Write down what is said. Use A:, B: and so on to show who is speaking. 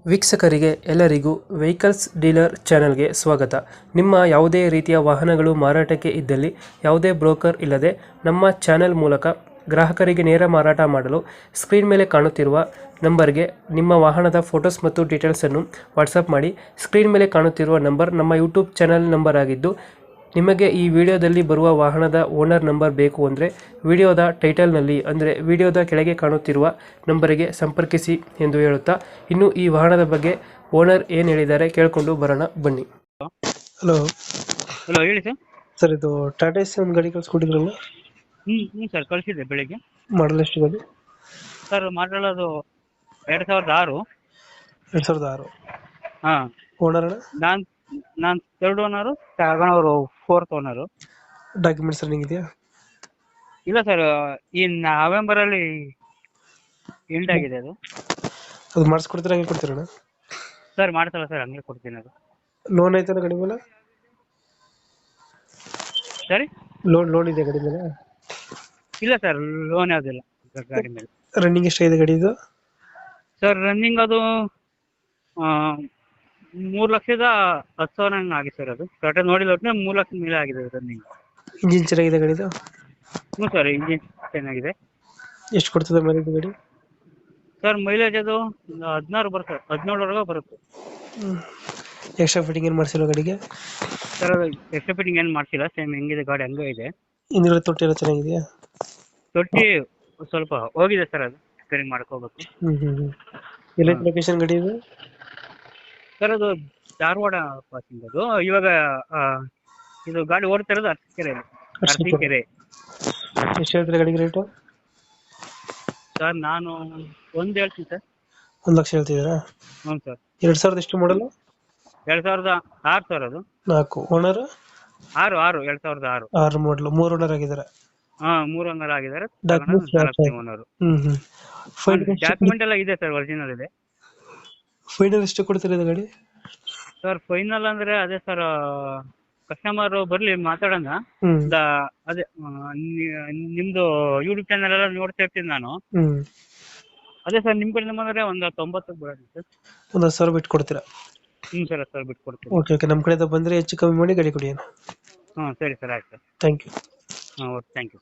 A: ವೀಕ್ಷಕರಿಗೆ ಎಲ್ಲರಿಗೂ vehicles dealer ಚಾನೆಲ್ಗೆ ಸ್ವಾಗತ. ನಿಮ್ಮ ಯಾವುದೇ ರೀತಿಯ ವಾಹನಗಳು ಮಾರಾಟಕ್ಕೆ ಇದ್ದಲ್ಲಿ ಯಾವುದೇ ಬ್ರೋಕರ್ ಇಲ್ಲದೆ ನಮ್ಮ ಚಾನೆಲ್ ಮೂಲಕ ಗ್ರಾಹಕರಿಗೆ ನೇರ ಮಾರಾಟ ಮಾಡಲು ಸ್ಕ್ರೀನ್ ಮೇಲೆ ಕಾಣುತ್ತಿರುವ ನಂಬರ್ಗೆ ನಿಮ್ಮ ವಾಹನದ ಫೋಟೋಸ್ ಮತ್ತು ಡೀಟೇಲ್ಸನ್ನು ವಾಟ್ಸಪ್ ಮಾಡಿ. ಸ್ಕ್ರೀನ್ ಮೇಲೆ ಕಾಣುತ್ತಿರುವ ನಂಬರ್ ನಮ್ಮ ಯೂಟ್ಯೂಬ್ ಚಾನೆಲ್ ನಂಬರ್ ಆಗಿದ್ದು, ನಿಮಗೆ ಈ ವಿಡಿಯೋದಲ್ಲಿ ಬರುವ ವಾಹನದ ಓನರ್ ನಂಬರ್ ಬೇಕು ಅಂದರೆ ವಿಡಿಯೋದ ಟೈಟಲ್ನಲ್ಲಿ ಅಂದರೆ ವಿಡಿಯೋದ ಕೆಳಗೆ ಕಾಣುತ್ತಿರುವ ನಂಬರಿಗೆ ಸಂಪರ್ಕಿಸಿ ಎಂದು ಹೇಳುತ್ತಾ, ಇನ್ನು ಈ ವಾಹನದ ಬಗ್ಗೆ ಓನರ್ ಏನು ಹೇಳಿದ್ದಾರೆ ಕೇಳಿಕೊಂಡು ಬರೋಣ ಬನ್ನಿ. ಹಲೋ
B: ಹಲೋ, ಹೇಳಿ ಸರ್.
A: ಸರ್, ಇದು ಟಾಟಾ ಎಸಿ ಒಂದು ಗಾಡಿ ಕಳಿಸ್ಕೊಟ್ಟಿದ್ರಲ್ಲ,
B: ಹ್ಞೂ ಸರ್, ಕಳಿಸಿದ್ದೆ ಬೆಳಿಗ್ಗೆ.
A: ಮಾಡಲ್ ಎಷ್ಟು ಗಾಡಿ?
B: ಸರ್, ಮಾತಾಡೋದು 2006.
A: 2006.
B: ಹಾಂ.
A: ಓನರ್?
B: ನಾನು ಥರ್ಡ್ ಓನರು, ತಗೊಂಡವರು ಫೋರ್ತ್ ಓನರು.
A: ಡಾಕ್ಯುಮೆಂಟ್ಸ್ ರನ್ನಿಂಗ್ ಇದೆಯಾ?
B: ಇಲ್ಲ ಸರ್, ಈ ನವೆಂಬರಲ್ಲಿ ಎಂಡ್ ಆಗಿದೆ ಅದು.
A: ಅದು ಮಾಡಿಸ್ಕೊಡ್ತೀರಾ, ಹಂಗೆ ಕೊಡ್ತೀರಣ್ಣ?
B: ಸರ್, ಮಾಡ್ತಲ್ಲ ಸರ್, ಹಂಗೆ ಕೊಡ್ತೀನಿ ಅದು.
A: ಲೋನ್ ಐತನ ಗಾಡಿ ಮೇಲೆ?
B: ಸರಿ,
A: ಲೋನ್ ಇದೆ ಗಾಡಿ ಮೇಲೆ?
B: ಇಲ್ಲ ಸರ್, ಲೋನ್ ಯಾವುದಿಲ್ಲ ಗಾಡಿ ಮೇಲೆ.
A: ರನ್ನಿಂಗ್ ಎಷ್ಟಾಗಿದೆ ಗಾಡಿ ಇದು?
B: ಸರ್, ರನ್ನಿಂಗ್ ಅದು 3,10,000 ಹಂಗೆ ಆಗಿದೆ ಸರ್. ಅದು ಕರೆಕ್ಟಾಗಿ ನೋಡಿಲ್ಲ, ಒಟ್ಟಿಗೆ 3 ಲಕ್ಷದ ಮೇಲೆ ಆಗಿದೆ ರನ್ನಿಂಗ್.
A: ಇಂಜಿನ್ ಚೆನ್ನಾಗಿದೆ ಗಾಡಿದು?
B: ಹ್ಞೂ ಸರ್, ಇಂಜಿನ್ ಚೆನ್ನಾಗಿದೆ.
A: ಎಷ್ಟು ಕೊಡ್ತದೆ ಮೈಲೇಜ್ ಗಾಡಿ?
B: ಸರ್, ಮೈಲೇಜ್ ಅದು 16 ಬರುತ್ತೆ, 17ವರೆಗೂ ಬರುತ್ತೆ.
A: ಎಕ್ಸ್ಟ್ರಾ ಫಿಟ್ಟಿಂಗ್ ಏನು ಮಾಡಿಸಿಲ್ಲ ಗಾಡಿಗೆ?
B: ಸರ್, ಅದು ಎಕ್ಸ್ಟ್ರಾ ಫಿಟ್ಟಿಂಗ್ ಏನು ಮಾಡಿಸಿಲ್ಲ, ಸೇಮ್ ಹೆಂಗಿದೆ ಗಾಡಿ ಹಂಗೆ ಇದೆ.
A: ಹಿಂದ್ಗಡೆ ತೊಟ್ಟಿ ಎಲ್ಲ ಚೆನ್ನಾಗಿದೆಯಾ?
B: ತೊಟ್ಟಿ ಸ್ವಲ್ಪ ಹೋಗಿದೆ ಸರ್, ಅದು ರಿಪೇರಿಂಗ್ ಮಾಡ್ಕೋಬೇಕು.
A: ಎಲ್ಲೈತೆ ಲೊಕೇಶನ್ ಗಾಡಿ ಇದು?
B: ಸರ್, ಅದು ಧಾರವಾಡ ಪಾಸಿಂಗ್ ಅದು. ಇವಾಗ ಇದು ಗಾಡಿ ಓಡ್ತಾ ಇರೋದು ಅರಸೀಕೆರೆ.
A: ಎಷ್ಟು ಹೇಳ್ತೀರಾ ಗಾಡಿಗೆ ರೇಟು?
B: ಸರ್, ನಾನು ಒಂದು ಹೇಳ್ತೀನಿ ಸರ್.
A: 1 ಲಕ್ಷ ಹೇಳ್ತಿದ್ದೀರಾ?
B: ಹ್ಞೂ ಸರ್.
A: 2000 ಎಷ್ಟು ಮಾಡಲು?
B: 2006 ಸರ್, ಅದು
A: 4. ಓನರ್?
B: 2006.
A: 6 ಮಾಡಲು. 3 ಓನರ್ ಆಗಿದ್ದಾರೆ?
B: ಹಾಂ, 3 ಓನರ್ ಆಗಿದ್ದಾರೆ. ಓನರು. ಡಾಕ್ಯುಮೆಂಟ್ ಎಲ್ಲ ಇದೆ ಸರ್, ಒರಿಜಿನಲ್ ಇದೆ.
A: ಫೈನಲ್ ಎಷ್ಟು ಕೊಡ್ತೀರಾ ಇದು ಗಾಡಿ?
B: ಸರ್, ಫೈನಲ್ ಅಂದ್ರೆ ಅದೇ ಸರ್, ಕಸ್ಟಮರ್ ಬರ್ಲಿ ಮಾತಾಡೋಣ. ಅದೇ ನಿಮ್ದು ಯೂಟ್ಯೂಬ್ ಚಾನಲ್ ಎಲ್ಲ ನೋಡ್ತಾ ಇರ್ತೀನಿ ನಾನು. ಅದೇ ಸರ್, ನಿಮ್ಮ ಕಡೆಯಿಂದ ಬಂದರೆ ಒಂದು 90ಕ್ಕೆ ಬರೋದು ಸರ್.
A: ಒಂದು 10,000 ಬಿಟ್ಟು ಕೊಡ್ತೀರಾ?
B: ಹ್ಞೂ ಸರ್, 10,000 ಬಿಟ್ಟು ಕೊಡ್ತೀನಿ.
A: ಓಕೆ, ನಮ್ಮ ಕಡೆಯಿಂದ ಬಂದರೆ ಹೆಚ್ಚು ಕಮ್ಮಿ ಮಾಡಿ ಗಾಡಿ ಕೊಡಿ.
B: ಹ್ಞೂ, ಸರಿ ಸರ್, ಆಯ್ತು ಸರ್.
A: Thank you.
B: ಹಾಂ, ಓಕೆ, ಥ್ಯಾಂಕ್ ಯು.